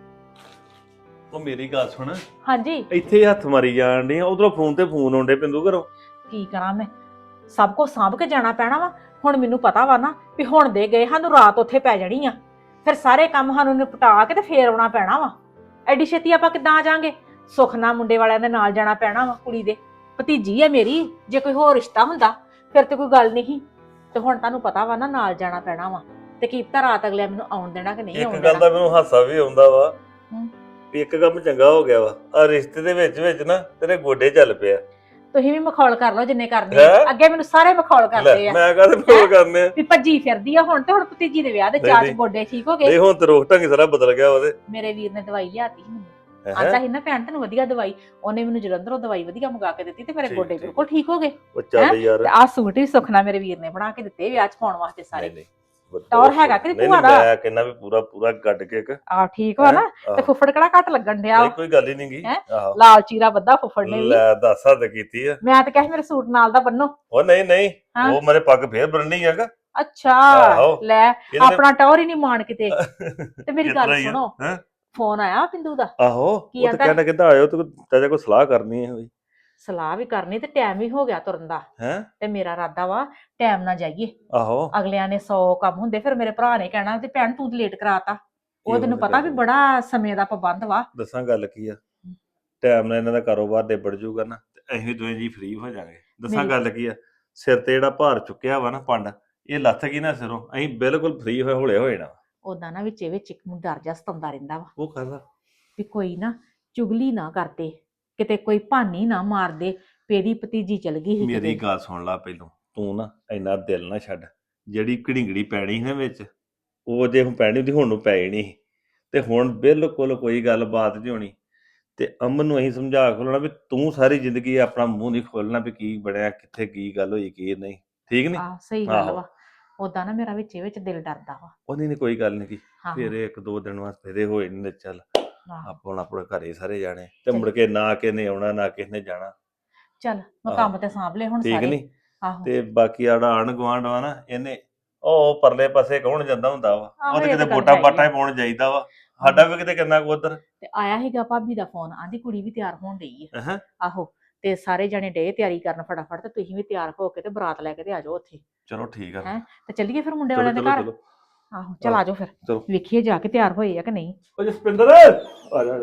I: ਉਹ ਮੇਰੀ ਗੱਲ ਸੁਣ,
H: ਹਾਂਜੀ
I: ਇੱਥੇ ਹੀ ਹੱਥ ਮਾਰੀ ਜਾਣ ਡਈ ਉਧਰੋਂ ਫੋਨ ਤੇ ਫੋਨ ਆਉਂਦੇ ਪਿੰਦੂ ਘਰੋਂ।
H: ਕੀ ਕਰਾਂ ਮੈਂ, ਸਭ ਕੁਝ ਸਾਂਭ ਕੇ ਜਾਣਾ ਪੈਣਾ ਵਾ। ਹੁਣ ਮੈਨੂੰ ਪਤਾ ਵਾ ਨਾ ਵੀ ਹੁਣ ਦੇ ਗਏ ਸਾਨੂੰ ਰਾਤ ਉੱਥੇ ਪੈ ਜਾਣੀ ਆ, ਫਿਰ ਸਾਰੇ ਕੰਮ ਸਾਨੂੰ ਨਿਪਟਾ ਕੇ ਤੇ ਫੇਰ ਆਉਣਾ ਪੈਣਾ ਵਾ। ਐਡੀ ਛੇਤੀ ਆਪਾਂ ਕਿੱਦਾਂ ਆ ਜਾਾਂਗੇ? ਸੁੱਖ ਨਾਲ ਮੁੰਡੇ ਵਾਲਿਆਂ ਦੇ ਨਾਲ ਜਾਣਾ ਪੈਣਾ ਵਾ, ਕੁੜੀ ਦੇ ਭਤੀਜੀ ਹੈ ਮੇਰੀ, ਜੇ ਕੋਈ ਹੋਰ ਰਿਸ਼ਤਾ ਹੁੰਦਾ ਫਿਰ ਤੇ ਕੋਈ ਗੱਲ ਨਹੀਂ। ਤੇ ਹੁਣ ਤੁਹਾਨੂੰ ਪਤਾ ਵਾ ਨਾ ਨਾਲ ਜਾਣਾ ਪੈਣਾ ਵਾ, ਤੇ ਕੀ ਪਤਾ ਰਾਤ ਅਗਲੇ ਮੈਨੂੰ ਆਉਣ ਦੇਣਾ ਕਿ ਨਹੀਂ ਆਉਣ
I: ਇੱਕ ਗੱਲ
H: ਦੇਣਾ।
I: ਦਾ ਮੈਨੂੰ ਹਾਸਾ ਵੀ ਆਉਂਦਾ ਵਾ
H: ਹੂੰ।
I: ਵੀ ਇੱਕ ਕੰਮ ਚੰਗਾ ਹੋ ਗਿਆ ਵਾ, ਆ ਰਿਸ਼ਤੇ ਦੇ ਵਿੱਚ ਵਿੱਚ ਨਾ ਤੇਰੇ ਗੋਡੇ ਚੱਲ ਪਿਆ।
H: ਤੁਸੀਂ ਵੀ ਮਖੌਲ ਕਰ ਲਓ ਜਿੰਨੇ ਕਰਨੇ
I: ਹੈਂ?
H: ਅੱਗੇ ਮੈਨੂੰ ਸਾਰੇ ਮਖੌਲ ਕਰਦੇ
I: ਲੈ
H: ਆ
I: ਮੈਂ ਕਾਹਦੇ ਫੋਨ ਕਰਨੇ ਆ?
H: ਵੀ ਭੱਜੀ ਫਿਰਦੀ ਆ ਹੁਣ, ਤੇ ਹੁਣ ਭਤੀਜੀ ਦੇ ਵਿਆਹ ਦੇ
I: ਨਹੀਂ,
H: ਚਾਚ
I: ਨਹੀਂ।
H: ਗੋਡੇ ਠੀਕ ਹੋ ਗਏ।
I: ਨਹੀਂ ਹੁਣ ਤੇ ਰੋਕ ਢੰਗ ਸਾਰਾ ਬਦਲ ਗਿਆ ਉਹਦੇ।
H: ਮੇਰੇ ਵੀਰ ਨੇ ਦਵਾਈ ਲਿਆਤੀ ਸੀ ਮੈਨੂੰ,
I: ਹੈਂ?
H: ਆਂਦਾ ਸੀ ਨਾ ਭੈਣ ਤੈਨੂੰ ਵਧੀਆ ਦਵਾਈ, ਉਹਨੇ ਮੈਨੂੰ ਜਲੰਧਰੋਂ ਦਵਾਈ ਵਧੀਆ ਮੰਗਾ ਕੇ ਦਿੱਤੀ ਤੇ ਮੇਰੇ
I: ਠੀਕ,
H: ਗੋਡੇ
I: ਠੀਕ।
H: ਬਿਲਕੁਲ ਠੀਕ ਹੋ ਗਏ।
I: ਉਹ ਚੱਲ ਯਾਰ।
H: ਤੇ ਆਹ ਸੂਟ ਵੀ ਸੁਖਨਾ ਮੇਰੇ ਵੀਰ ਨੇ ਬਣਾ ਕੇ ਦਿੱਤੇ ਵਿਆਹ 'ਚ ਪਾਉਣ ਵਾਸਤੇ ਸਾਰੇ।
I: ਨਹੀਂ
H: ਟੌਰ ਹੈਗਾ ਕਿ
I: ਨਹੀਂ,
H: ਭੂਆ ਦਾ?
I: ਮੈਂ ਕਹਿੰਦਾ ਵੀ ਪੂਰਾ ਪੂਰਾ ਗੱਡ ਕੇ ਇੱਕ
H: ਆਹ ਠੀਕ ਵਾ ਨਾ, ਤੇ
I: ਆਹੋ।
H: ਫੁੱਫੜ ਕਿਹੜਾ ਘੱਟ ਲੱਗਣ ਡਿਆ
I: ਨਹੀਂ ਕੋਈ ਗੱਲ ਹੀ ਨਹੀਂ ਗਈ।
H: ਹੈਂ?
I: ਆਹੋ
H: ਲਾਲ ਚੀਰਾ ਬੱਧਾ ਫੁੱਫੜ ਨੇ ਵੀ।
I: ਲੈ ਦੱਸ ਹੱਦ ਕੀਤੀ ਆ।
H: ਮੈਂ ਤਾਂ ਕਿਹਾ ਸੀ ਮੇਰੇ ਸੂਟ ਨਾਲ ਦਾ ਬੰਨੋ।
I: ਉਹ ਨਹੀਂ ਨਹੀਂ,
H: ਹਾਂ।
I: ਉਹ ਮੇਰੇ ਪੱਗ ਫੇਰ ਬੰਨਣੀ ਹੈਗਾ।
H: ਅੱਛਾ
I: ਆਹੋ।
H: ਲੈ
I: ਇਹਦੇ-
H: ਆਪਣਾ ਟੌਰ ਹੀ ਨਹੀਂ ਮਾਣ ਕਿਤੇ। ਤੇ ਮੇਰੀ
I: ਕਿਤਨਾ
H: ਗੱਲ
I: ਹੀ ਆ,
H: ਸੁਣੋ,
I: ਹੈਂ?
H: ਫੋਨ ਆਇਆ ਪਿੰਦੂ ਦਾ।
I: ਆਹੋ
H: ਕੀ
I: ਉਹ ਤਾਂ
H: ਆਂਦਾ?
I: ਕਹਿੰਦਾ ਕਿੱਦਾਂ ਆਇਓ ਤੂੰ ਚਾਚਾ ਕੋਈ ਸਲਾਹ ਕਰਨੀ ਹੈ ਹੋਈ
H: ਸਲਾਹ ਵੀ ਕਰਨੀ ਤੇ ਟਾਈਮ ਵੀ ਹੋ ਗਿਆ ਤੁਰਨ ਦਾ,
I: ਹੈ।
H: ਤੇ ਮੇਰਾ ਇਰਾਦਾ ਵਾ ਟਾਈਮ ਨਾਲ ਜਾਈਏ।
I: ਆਹੋ
H: ਅਗਲਿਆਂ ਨੇ 100 ਕੰਮ ਹੁੰਦੇ, ਫਿਰ ਮੇਰੇ ਭਰਾ ਨੇ ਕਹਿਣਾ ਤੇ ਭੈਣ ਤੂੰ ਲੇਟ ਕਰਾਤਾ। ਉਹ
I: ਇਹ
H: ਤੈਨੂੰ
I: ਵਾਲੀ
H: ਪਤਾ ਵੀ
I: ਗੱਲ।
H: ਬੜਾ ਸਮੇਂ ਦਾ ਪਾਬੰਦ ਵਾ।
I: ਦੱਸਾਂ ਗੱਲ ਕੀ ਆ, ਟਾਈਮ ਨਾਲ ਇਹਨਾਂ ਦਾ ਕਾਰੋਬਾਰ ਨਿਬੜ ਜੂਗਾ ਨਾ ਤੇ ਅਸੀਂ ਦੋਵੇਂ ਜੀ ਫ੍ਰੀ ਹੋ ਜਾਾਂਗੇ। ਦੱਸਾਂ
H: ਮੇਰੀ-
I: ਗੱਲ ਕੀ ਆ, ਸਿਰ ਤੇ ਜਿਹੜਾ ਭਾਰ ਚੁੱਕਿਆ ਵਾ ਨਾ ਪੰਡ, ਇਹ ਲੱਥ ਗਈ ਨਾ ਸਿਰੋਂ, ਅਸੀਂ ਬਿਲਕੁਲ ਫ੍ਰੀ ਹੋਏ ਹੋਏ ਨਾ।
H: ਉਦਾਂ ਨਾ ਵਿੱਚੇ ਵਿੱਚ ਇੱਕ ਨੂੰ ਡਰ ਜਾ ਸਤਾਉਂਦਾ ਰਹਿੰਦਾ ਵਾ
I: ਉਹ ਕਰਦਾ
H: ਵੀ ਕੋਈ ਨਾ ਚੁਗਲੀ ਨਾ ਕਰਦੇ, ਕਿਤੇ ਕੋਈ ਭਾਨੀ ਨਾ ਮਾਰਦੇ ਵੀ ਇਹਦੀ ਭਤੀਜੀ ਚਲ ਗਈ ਸੀ
I: ਮੇਰੀ
H: ਕਿਤੇ।
I: ਗੱਲ ਸੁਣ ਲਾ ਪਹਿਲੋਂ, ਤੂੰ ਨਾ ਇੰਨਾ ਦਿਲ ਨਾ ਛੱਡ। ਜਿਹੜੀ ਘੜਿੰਗੜੀ ਪੈਣੀ ਸੀ ਨਾ ਵਿੱਚ, ਉਹ ਜੇ ਹੁਣ ਪੈਣੀ ਹੁੰਦੀ ਹੁਣ ਨੂੰ ਪੈ ਜਾਣੀ ਸੀ। ਤੇ ਹੁਣ ਬਿਲਕੁਲ ਕੋਈ ਗੱਲਬਾਤ ਨਹੀਂ ਹੋਣੀ। ਤੇ ਅਮਨ ਨੂੰ ਅਸੀਂ ਸਮਝਾ ਖੋਲਣਾ ਵੀ ਤੂੰ ਸਾਰੀ ਜ਼ਿੰਦਗੀ ਆਪਣਾ ਮੂੰਹ ਨਹੀਂ ਖੋਲਣਾ ਵੀ ਕੀ ਬਣਿਆ, ਕਿੱਥੇ ਕੀ ਗੱਲ ਹੋਈ, ਕੀ ਨਹੀਂ। ਠੀਕ ਨਹੀਂ?
H: ਆਹ ਸਹੀ ਗੱਲ
I: ਆਹੋ।
H: ਵਾ। ਉਦਾਂ ਨਾ ਮੇਰਾ ਵਿੱਚੇ ਵਿੱਚ ਦਿਲ ਡਰਦਾ ਵਾ।
I: ਉਹਦੀ ਨਹੀਂ ਕੋਈ ਗੱਲ ਨਹੀਂ ਕੀ,
H: ਹਾਂ
I: ਫਿਰ ਇੱਕ ਦੋ ਦਿਨ ਵਾਸਤੇ ਫੇਰੇ ਹੋਏ ਨਹੀਂ ਤੇ ਚੱਲ
H: ਆਹੋ।
I: ਆਪਾਂ ਹੁਣ ਆਪਣੇ ਘਰੇ ਸਾਰੇ ਜਾਣੇ ਤੇ ਮੁੜ ਕੇ ਨਾ ਕਿਸੇ ਨੇ ਆਉਣਾ ਨਾ ਕਿਸੇ ਨੇ ਜਾਣਾ।
H: ਚੱਲ ਮੈਂ
I: ਆਹੋ।
H: ਕੰਮ ਤੇ ਸਾਂਭ ਲਏ ਹੁਣ
I: ਠੀਕ
H: ਸਾਰੇ।
I: ਨਹੀਂ?
H: ਆਹੋ
I: ਤੇ ਬਾਕੀ ਆੜਾ ਆਣ ਗੁਆਂਢ ਵਾ ਨਾ, ਇਹਨੇ ਉਹ ਪਰਲੇ ਪਾਸੇ ਕੌਣ ਜਾਂਦਾ ਹੁੰਦਾ ਵਾ,
H: ਆਹੋ,
I: ਉਹ ਤੇ
H: ਇਹ
I: ਕਿਤੇ
H: ਤਾਂ ਗੱਲ
I: ਵੋਟਾਂ
H: ਹੈਗੀ
I: ਬਾਟਾਂ
H: ਆ।
I: ਹੀ ਪਾਉਣ ਜਾਈਦਾ ਵਾ। ਸਾਡਾ ਵੀ ਕਿਤੇ ਕਿੰਨਾ ਕੁ ਉਧਰ।
H: ਤੇ ਆਇਆ ਸੀਗਾ ਭਾਬੀ ਦਾ ਫੋਨ, ਆਂਦੀ ਕੁੜੀ ਵੀ ਤਿਆਰ ਹੋਣ ਡਈ ਹੈ।
I: ਹਾਂ
H: ਆਹੋ ਤੇ ਸਾਰੇ ਜਣੇ ਡੇ ਤਿਆਰੀ ਕਰਨ ਫਟਾਫਟ, ਤੇ ਤੁਸੀਂ ਵੀ ਤਿਆਰ ਹੋ ਕੇ ਤੇ ਬਰਾਤ ਲੈ ਕੇ ਤੇ ਆ ਜਾਓ ਉੱਥੇ।
I: ਚਲੋ ਠੀਕ ਆ।
H: ਹੈਂ? ਤੇ ਚੱਲੀਏ ਫਿਰ ਮੁੰਡੇ
I: ਚਲੋ
H: ਵਾਲਿਆਂ ਦੇ
I: ਚਲੋ
H: ਘਰ।
I: ਚਲੋ
H: ਆਹੋ ਚਲ ਆ ਜਾਓ ਫਿਰ,
I: ਚਲੋ।
H: ਵੇਖੀਏ ਜਾ ਕੇ ਤਿਆਰ ਹੋਏ ਆ ਕਿ ਨਹੀਂ।
I: ਉਹ ਜਸਪਿੰਦਰ ਆ ਜਾ ਆ ਜਾ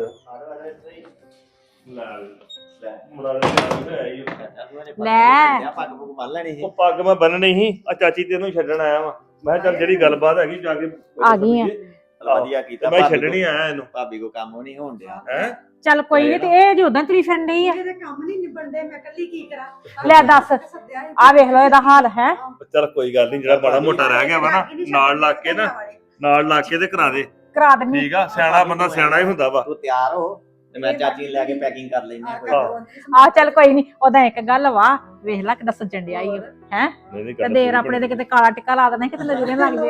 I: ਲੈ ਮੁੰਡਾ ਲੈ ਆਈ
H: ਲੈ।
E: ਪੱਗ ਪੁੱਗ ਬੰਨ ਲੈਣੀ ਸੀ।
I: ਉਹ ਪੱਗ ਮੈਂ ਬੰਨਣੀ ਸੀ, ਆ ਚਾਚੀ ਤੈਨੂੰ ਛੱਡਣ ਆਇਆ ਵਾਂ। ਮੈਂ ਕਿਹਾ ਚੱਲ ਜਿਹੜੀ ਗੱਲਬਾਤ ਹੈਗੀ ਜਾ ਕੇ
H: ਆ ਗਈ ਆ।
E: ਵਧੀਆ
I: ਤੇ
E: ਕੀਤਾ
I: ਮੈਂ
E: ਭਾਬੀ
I: ਛੱਡਣੀ
E: ਕੋ-
I: ਆਇਆ ਇਹਨੂੰ।
E: ਭਾਬੀ ਕੋ ਕੰਮ ਨਹੀਂ ਹੋਣ ਡਿਆ।
I: ਹੈ
H: ਚੱਲ ਕੋਈ ਨਹੀਂ, ਤੇ ਇਹ ਜੋ ਉਦਾਂ ਤੁਰੀ ਫਿਰਨ ਡਈ ਆ।
A: ਮੇਰੇ ਕੰਮ ਨਹੀਂ ਨਿਬੜਦੇ, ਮੈਂ ਇਕੱਲੀ ਕੀ ਕਰਾਂ?
H: ਲੈ ਦੱਸ, ਆ ਵੇਖ ਲਓ ਇਹਦਾ ਹਾਲ ਹੈ।
I: ਚੱਲ ਕੋਈ ਗੱਲ ਨਹੀਂ, ਜਿਹੜਾ ਬੜਾ ਮੋਟਾ ਰਹਿ ਗਿਆ ਵਾ ਨਾ, ਨਾਲ ਲੱਗ ਕੇ ਨਾ, ਨਾਲ ਲੱਗ ਕੇ ਤੇ ਕਰਾ ਦੇ।
H: ਕਰਾ ਦਿੰਨੀ।
I: ਠੀਕ ਆ, ਸਿਆਣਾ ਬੰਦਾ ਸਿਆਣਾ ਹੀ ਹੁੰਦਾ ਵਾ।
E: ਤੂੰ ਤਿਆਰ ਹੋ ਤੇ ਮੈਂ ਚਾਚੀ ਨੂੰ ਲੈ ਕੇ ਪੈਕਿੰਗ ਕਰ ਲੈਣੀ ਆ ਕੋਈ।
H: ਆ ਚੱਲ ਕੋਈ ਨਹੀਂ, ਉਹਦਾ ਇੱਕ ਗੱਲ ਵਾ, ਵੇਖ ਲੈ ਕਿੱਦਾਂ ਸੱਜਣ ਡਿਆ ਈ ਹੈ।
I: ਨਹੀਂ ਨਹੀਂ
H: ਤੇ ਦੇਰ ਆਪਣੇ ਦੇ ਕਿਤੇ ਕਾਲਾ ਟਿੱਕਾ ਲਾ ਦੇਣਾ, ਕਿਤੇ ਨਜ਼ਰੇ ਨਾ ਲੱਗ ਜੇ।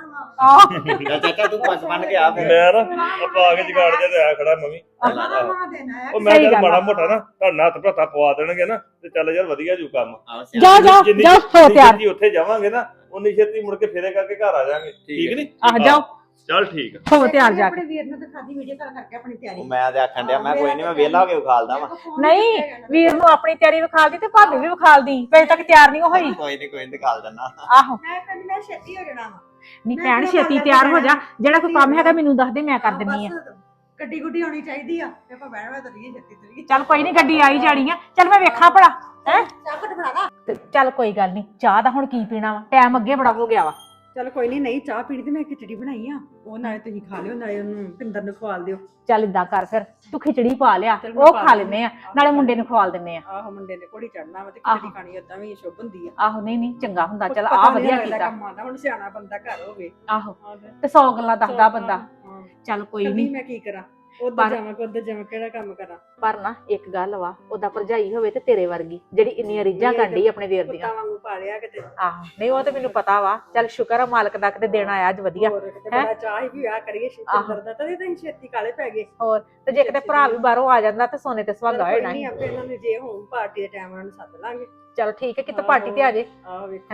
E: ਚੱਲ ਚਾਚਾ ਤੂੰ ਪੱਗ ਬੰਨ ਕੇ ਆ ਫਿਰ।
I: ਮੈਂ ਨਾ ਆਪਾਂ ਆ ਕੇ ਜਗਾੜ ਜਿਹਾ ਤੇ ਆਇਆ ਖੜਾ ਮੰਮੀ। ਉਹ ਮੈਂ
H: ਸਹੀ
I: ਚੱਲ
H: ਗੱਲ
I: ਮਾੜਾ
H: ਆ।
I: ਮੋਟਾ ਨਾ ਤੁਹਾਡਾ ਹੱਥ ਭਰਾਤਾ ਪਵਾ ਦੇਣਗੇ ਨਾ, ਤੇ ਚੱਲ ਯਾਰ ਵਧੀਆ ਜੂ ਕੰਮ।
E: ਆਹੋ,
H: ਜਾਓ ਜਾਓ
I: ਜਿੰਨੀ-
H: ਜਾਓ, ਹੋ
I: ਜਿੰਨੀ
H: ਤਿਆਰ।
I: ਛੇਤੀ ਉੱਥੇ ਜਾਵਾਂਗੇ ਨਾ, ਉਨੀ ਛੇਤੀ ਮੁੜ ਕੇ ਫੇਰੇ ਕਰਕੇ ਘਰ ਆ ਜਾਾਂਗੇ। ਠੀਕ ਨਹੀਂ?
H: ਆਹ ਜਾਓ,
I: ਚੱਲ ਠੀਕ ਆ।
H: ਹੋ ਤਿਆਰ ਜਾ ਕੇ।
A: ਆਪਣੇ ਵੀਰ ਨੂੰ ਦਿਖਾ ਦੀ ਵੀਡੀਓ ਕਾਲ ਕਰਕੇ ਆਪਣੀ ਤਿਆਰੀ।
E: ਉਹ ਮੈਂ ਤੇ ਆਖਣ ਡਿਆ, ਮੈਂ ਕੋਈ ਨਹੀਂ, ਮੈਂ ਵਿਹਲਾ ਹੋ ਕੇ ਵਿਖਾਲਦਾ ਵਾ।
H: ਨਹੀਂ, ਵੀਰ ਨੂੰ ਆਪਣੀ ਤਿਆਰੀ ਵਿਖਾਲਦੀ ਤੇ ਭਾਬੀ ਵੀ ਵਿਖਾਲਦੀ, ਅਜੇ ਤੱਕ ਤਿਆਰ ਨਹੀਂ ਹੋਈ।
E: ਕੋਈ ਨਹੀਂ ਦਿਖਾਲ ਦਿੰਦਾ।
H: ਆਹੋ
A: ਮੈਂ ਕਹਿੰਦੀ ਮੈਂ ਛੇਤੀ ਹੋ ਜਾਣਾ ਵਾ।
H: ਨਹੀਂ
A: ਮੈਂ
H: ਭੈਣ
A: ਕਿਹੜਾ
H: ਛੇਤੀ
A: ਕਰ
H: ਤਿਆਰ ਹੋ ਜਾ,
A: ਲੈਣਾ।
H: ਜਿਹੜਾ ਕੋਈ ਕੰਮ ਹੈਗਾ ਮੈਨੂੰ ਦੱਸ ਦੇ, ਮੈਂ ਕਰ ਦਿੰਨੀ ਆ।
A: ਗੱਡੀ ਗੁੱਡੀ ਆਉਣੀ ਚਾਹੀਦੀ ਆ, ਤੇ ਆਪਾਂ ਬਹਿਣਾ ਤਾਂ ਨਹੀਂ ਛੇਤੀ ਤਰੀ।
H: ਚੱਲ ਕੋਈ ਨਹੀਂ, ਗੱਡੀ ਆਈ ਜਾਣੀ ਆ। ਚੱਲ ਮੈਂ ਵੇਖਾਂ ਭਲਾ ਹੈ।
A: ਚਾਹ ਘਟ ਬਣਾ ਲਾ।
H: ਤੇ ਚੱਲ ਕੋਈ ਗੱਲ ਨਹੀਂ, ਚਾਹ ਦਾ ਹੁਣ ਕੀ ਪੀਣਾ ਵਾ, ਟਾਈਮ ਅੱਗੇ ਬੜਾ ਹੋ ਗਿਆ ਵਾ।
D: ਚਲ ਕੋਈ ਨਹੀਂ ਚਾਹ ਪੀਣੀ ਤੇ ਮੈਂ ਖਿਚੜੀ ਬਣਾਈ ਆ, ਉਹ ਨਾਲੇ ਤੁਸੀਂ ਖਾ ਲਿਓ, ਨਾਲੇ ਉਹਨੂੰ ਪਿੰਦਰ ਨੂੰ ਖਵਾਲ ਦਿਓ।
H: ਚੱਲ ਇਦਾਂ ਕਰ, ਫਿਰ ਤੂੰ ਖਿਚੜੀ ਪਾ ਲਿਆ,
D: ਚੱਲ ਮੈਂ
H: ਉਹ
D: ਪਾ
H: ਖਾ
D: ਲੈਂਦੀ
H: ਲੈਨੇ ਆ, ਨਾਲੇ ਮੁੰਡੇ ਨੂੰ ਖਵਾਲ ਦਿੰਨੇ ਆ।
D: ਆਹੋ ਮੁੰਡੇ ਨੇ ਘੋੜੀ ਚੜਨਾ ਵਾ ਤੇ
H: ਆਹੋ।
D: ਖਿਚੜੀ ਖਾਣੀ ਓਦਾਂ ਵੀ ਸ਼ੁਭ ਹੁੰਦੀ ਆ।
H: ਆਹੋ ਨਹੀਂ ਨਹੀਂ ਚੰਗਾ ਹੁੰਦਾ, ਚੱਲ
D: ਪਤਾ
H: ਆ
D: ਨੀ
H: ਵਧੀਆ
D: ਲੱਗਦਾ
H: ਕੀਤਾ।
D: ਕੰਮ ਆਉਂਦਾ, ਹੁਣ ਸਿਆਣਾ ਬੰਦਾ ਘਰ ਹੋਵੇ।
H: ਆਹੋ ਤੇ 100 ਗੱਲਾਂ ਦੱਸਦਾ ਬੰਦਾ।
D: ਹਾਂ।
H: ਚੱਲ ਕੋਈ
D: ਕੱਲੀ
H: ਨਹੀਂ,
D: ਮੈਂ ਕੀ ਕਰਾਂ, ਉਧਰ
H: ਪਰ-
D: ਜਾਵਾਂ ਕਿ ਉਧਰ ਜਾਵਾਂ, ਕਿਹੜਾ ਕੰਮ ਕਰਾਂ।
H: ਪਰ ਨਾ ਇੱਕ ਗੱਲ ਵਾ, ਉਹਦਾ ਭਰਜਾਈ ਹੋਵੇ ਤੇ ਤੇਰੇ ਵਰਗੀ, ਜਿਹੜੀ ਇੰਨੀਆਂ ਰੀਝਾਂ ਕਰਦੀ ਆਪਣੇ ਵੀਰ ਦੀਆਂ।
D: ਕੁੱਤਾ ਵਾਂਗੂ ਪਾਲਿਆ ਕਿਤੇ।
H: ਆਹੋ ਨਹੀਂ, ਉਹ ਤੇ ਮੈਨੂੰ ਪਤਾ ਵਾ। ਚੱਲ ਸ਼ੁਕਰ ਆ ਮਾਲਕ ਦਾ, ਕਿਤੇ ਦੇਣ ਆਇਆ ਅੱਜ ਵਧੀਆ।
D: ਹੋਰ ਕਿਤੇ
H: ਹੈਂ?
D: ਬੜਾ ਚਾਹ ਹੀ ਵੀ ਵਿਆਹ ਕਰੀਏ ਸ਼ਿੰਦਰ ਦਾ, ਤਦੇ ਤਾਂ ਅਸੀਂ ਛੇਤੀ ਕਾਲੇ ਪੈ ਗਏ।
H: ਹੋਰ ਤੇ ਜੇ ਕਿਤੇ ਭਰਾ ਵੀ ਬਾਹਰੋਂ ਆ ਜਾਂਦਾ ਤੇ ਸੋਨੇ ਤੇ ਸੁਹਾਗਾ ਹੋ ਜਾਣਾ
D: ਨਹੀਂ
H: ਸੀ।
D: ਆਪੇ ਇਹਨਾਂ ਨੇ ਜੇ ਹੋਣ ਪਾਰਟੀ ਦੇ ਟਾਈਮ ਉਹਨਾਂ ਨੂੰ ਸੱਦ ਲਾਂਗੇ।
H: ਚਲ ਠੀਕ ਹੈ, ਕਿਤੇ ਪਾਰਟੀ ਤੇ ਆ ਜੇ।
D: ਆਹ ਵੇਖੋ
H: ਹੈਂ?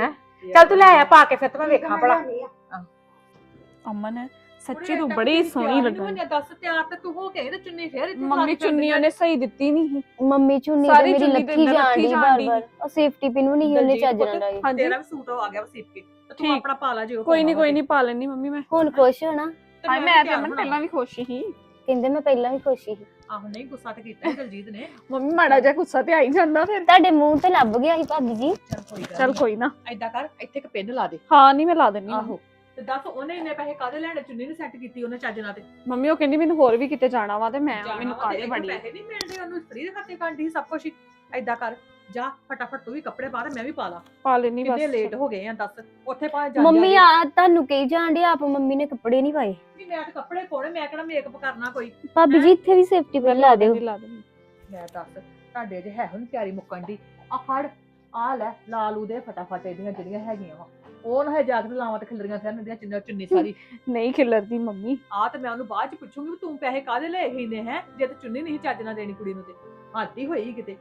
H: ਚੱਲ ਤੂੰ ਲੈ ਆ ਪਾ ਕੇ ਫਿਰ ਤੇ ਮੈਂ ਵੇਖਾਂ ਭਲਾ।
C: ਅਮਨ ਸੱਚੀ ਤੂੰ ਬੜੀ ਸੋਹਣੀ ਲੱਗਣ
A: ਦੱਸ ਤਿਆਰ ਤੇ ਤੂੰ ਹੋ ਕੇ ਤੇ ਚੁੰਨੀ ਫੇਰ ਇੱਥੇ
C: ਮੰਮੀ ਚੁੰਨੀ ਉਹਨੇ ਸਹੀ ਦਿੱਤੀ ਨਹੀਂ
J: ਮੰਮੀ ਚੁੰਨੀ ਤੇ
C: ਸਾਰੀ
J: ਮੇਰੀ
C: ਚੁੰਨੀ ਤੇ
J: ਲੱਥੀ
C: ਅੰਦਰ
J: ਜਾਣ
C: ਰੱਖੀ
J: ਦੀ
C: ਜਾਣ ਡਈ।
J: ਬਾਰ-ਬਾਰ ਉਹ ਸੇਫਟੀ ਪਿਨ ਵੀ ਨਹੀਂ ਉਹਨੇ ਚੱਜ ਨਾਲ ਲਾਈ।
C: ਹਾਂਜੀ
A: ਤੇਰਾ ਵੀ ਸੂਟ ਆ ਗਿਆ ਵਸੀਪ ਕੇ ਤੇ ਤੂੰ
C: ਠੀਕ।
A: ਆਪਣਾ ਪਾ ਲਾ ਜਿਓ
C: ਕੋਈ ਨਹੀਂ ਪਾ ਲੈਣੀ ਮੰਮੀ ਮੈਂ
J: ਹੁਣ ਖੁਸ਼ ਹੋ ਨਾ?
C: ਹਾਏ ਮੈਂ ਤੇ ਅਮਨ ਪਹਿਲਾਂ ਵੀ ਖੁਸ਼ ਸੀ
J: ਕਹਿੰਦੇ ਮੈਂ ਪਹਿਲਾਂ ਵੀ ਖੁਸ਼ ਸੀ।
A: ਆਹੋ ਨਹੀਂ ਗੁੱਸਾ ਤੇ ਕੀਤਾ ਸੀ ਦਲਜੀਤ ਨੇ।
C: ਮੰਮੀ ਮਾੜਾ ਜਿਹਾ ਗੁੱਸਾ ਤੇ ਆ ਹੀ ਜਾਂਦਾ ਫਿਰ
J: ਤੁਹਾਡੇ ਮੂੰਹ ਤੇ ਲੱਭ ਗਿਆ ਸੀ ਭਾਬੀ ਜੀ।
C: ਚੱਲ ਕੋਈ ਨਾ
A: ਐਦਾਂ ਕਰ ਇੱਥੇ ਇੱਕ ਪਿੰਨ ਲਾ ਦੇ।
C: ਹਾਂ ਨਹੀਂ ਮੈਂ ਲਾ ਦਿੰਨੀ
A: ਆਹੋ ਤੇ ਦੱਸ ਉਹਨੇ ਇੰਨੇ ਪੈਸੇ ਕਾਹਦੇ ਲੈਣੇ ਚੁੰਨੀ ਨੇ ਸੈੱਟ ਕੀਤੀ ਉਹਨੇ ਚੱਜ ਨਾਲ ਤੇ
C: ਮੰਮੀ ਉਹ ਕਹਿੰਦੀ ਮੈਨੂੰ ਹੋਰ ਵੀ ਕਿਤੇ ਜਾਣਾ ਵਾ ਤੇ ਮੈਂ
A: ਜਾਣਾ
C: ਮੈਨੂੰ
A: ਵਾ ਤੇ
C: ਕਾਹਦੇ
A: ਇਹਨੂੰ
C: ਬੜੀ
A: ਪੈਸੇ ਨਹੀਂ ਮਿਲਦੇ ਉਹਨੂੰ ਫ੍ਰੀ ਦੇ ਖਾਤੇ ਕਾਂਡੀ ਸਭ ਕੁਝ ਐਦਾਂ ਕਰ ਜਾ ਫਟਾਫਟ ਤੂੰ ਵੀ ਕੱਪੜੇ ਪਾ ਤੇ ਮੈਂ ਵੀ ਪਾ ਲਾ।
C: ਪਾ ਲੈਣੀ ਬਸ
A: ਕਿੰਨੇ ਲੇਟ ਹੋ ਗਏ ਆ ਦੱਸ ਉੱਥੇ ਪਾ ਜਾ
J: ਮੰਮੀ ਆ ਤੁਹਾਨੂੰ ਕਹੀ ਜਾਣ ਡੇ ਆਪ ਮੰਮੀ ਨੇ ਕੱਪੜੇ ਨਹੀਂ ਪਾਏ।
A: ਮੈਂ ਤੇ ਕੱਪੜੇ ਪਾਉਣੇ ਮੈਂ ਕਿਹੜਾ ਮੇਕਅਪ ਕਰਨਾ ਕੋਈ।
J: ਭਾਬੀ ਜੀ ਇੱਥੇ ਵੀ ਸੇਫਟੀ ਪਿਨ ਲਾ ਦਿਓ।
C: ਲਾ ਦੇਣੀ
A: ਮੈਂ ਦੱਸ ਤੁਹਾਡੇ ਜੇ ਹੈ ਹੁਣ ਪਿਆਰੀ ਮੁੱਕਣ ਦੀ ਆ ਫੜ ਆ ਲੈ ਲਾ ਲੂ ਦੇ ਫਟਾਫਟ ਇਹਦੀਆਂ ਜਿਹੜੀਆਂ ਹੈਗੀਆਂ ਵਾ ਉਹ ਨਾ ਜਾ ਕੇ ਲਾਵਾਂ ਤੇ ਖਿਲਰੀਆਂ ਫਿਰਨ ਦੀਆਂ ਚੁੰਨੀ ਸਾਰੀ
C: ਨਹੀਂ ਖਿਲਰਦੀ ਮੰਮੀ
A: ਆ ਤੇ ਮੈਂ ਉਹਨੂੰ ਬਾਅਦ ਚ ਪੁੱਛੂੰਗੀ ਵੀ ਤੂੰ ਪੈਸੇ ਕਾਹਦੇ ਲਏ ਹੀ ਨੇ ਹੈ ਜੇ ਤੇ ਚੁੰਨੀ ਨਹੀਂ ਚੱਜ ਨਾਲ ਦੇਣੀ ਕੁੜੀ ਨੂੰ ਤੇ ਹੱਦ ਹੀ ਹੋਈ ਕਿਤੇ।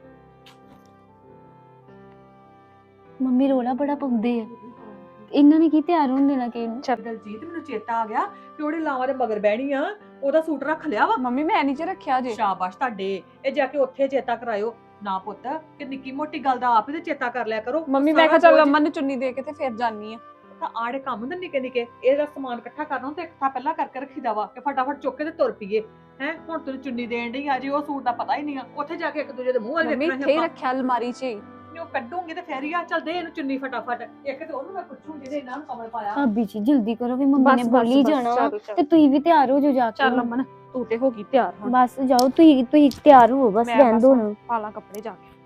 J: ਮੰਮੀ ਰੋਲਾ ਬੜਾ ਪਾਉਂਦੇ ਆ ਇਹਨਾਂ ਨੇ ਕੀ ਤਿਆਰ ਹੋਣ ਦੇਣਾ ਕਿ ਇਹਨੂੰ।
A: ਦਲਜੀਤ ਮੈਨੂੰ ਚੇਤਾ ਆ ਗਿਆ ਕਿ ਉਹਦੇ ਲਾਵਾਂ ਦੇ ਮਗਰ ਬਹਿਣੀ ਆ ਉਹਦਾ ਸੂਟ ਰੱਖ ਲਿਆ ਵਾ।
C: ਮੰਮੀ ਮੈਂ ਨਹੀਂ ਚ ਰੱਖਿਆ ਜੇ
A: ਸ਼ਾਬਾਸ਼ ਤੁਹਾਡੇ ਇਹ ਜਾ ਕੇ ਉੱਥੇ ਚੇਤਾ ਕਰਾਇਓ ਨਾ ਪੁੱਤ ਕਿ ਨਿੱਕੀ ਮੋਟੀ ਗੱਲ ਦਾ ਆਪ ਹੀ ਤੇ ਚੇਤਾ ਕਰ ਲਿਆ ਕਰੋ।
C: ਮੰਮੀ ਮੈਂ ਕਿਹਾ ਚੱਲ ਅਮਨ ਨੂੰ ਚੁੰਨੀ ਦੇ ਕੇ ਤੇ ਫਿਰ ਜਾਨੀ ਆ
A: ਤਾਂ ਆੜੇ ਕੰਮ ਹੁੰਦੇ ਨਿੱਕੇ ਨਿੱਕੇ ਇਹਦਾ ਸਮਾਨ ਇਕੱਠਾ ਕਰਨਾ ਤੇ ਇਕੱਠਾ ਪਹਿਲਾਂ ਕਰਕੇ ਰੱਖੀਦਾ ਵਾ ਕਿ ਫਟਾਫਟ ਚੁੱਕ ਕੇ ਤੇ ਤੁਰ ਪਈਏ ਹੈ। ਹੁਣ ਤੈਨੂੰ ਚੁੰਨੀ ਦੇਣ ਡਈ ਆ ਜੀ ਉਹ ਸੂਟ ਦਾ ਪਤਾ ਹੀ ਨਹੀਂ ਆ ਉੱਥੇ ਜਾ ਕੇ ਇੱਕ ਦੂਜੇ ਦੇ ਮੂੰਹ ਵੱਲ
C: ਮੰਮੀ
A: ਵੇਖਣਾ
C: ਇੱਥੇ ਹੀ ਰੱਖਿਆ ਅਲਮਾਰੀ 'ਚ
A: ਉਹ ਕੱਢੂਗੀ ਤੇ ਫੇਰ ਹੀ ਆ ਚੱਲ ਦੇ ਇਹਨੂੰ ਚੁੰਨੀ ਫਟਾਫਟ ਇੱਕ ਤੇ ਉਹਨੂੰ ਮੈਂ ਪੁੱਛੂ ਜਿਹਨੇ ਇਹਨਾਂ ਨੂੰ ਕਮਲ ਪਾਇਆ।
J: ਭਾਬੀ ਜੀ ਜਲਦੀ ਕਰੋ ਵੀ ਮੰਮੀ ਨੇ ਬੋਲੀ ਜਾਣਾ ਵਾ ਤੇ ਤੁਸੀਂ ਵੀ ਤਿਆਰ ਹੋ ਜਾਓ ਜਾ ਕੇ।
C: ਚੱਲ ਅਮਨ ਤੂੰ ਤੇ ਹੋ ਗਈ ਤਿਆਰ ਹੁਣ
J: ਬਸ ਜਾਓ ਤੁਸੀਂ ਤਿਆਰ ਹੋ ਬਸ ਰਹਿਣ ਦੋ ਨਾ।
C: ਪਾਲਾ ਕੱਪੜੇ ਜਾ ਕੇ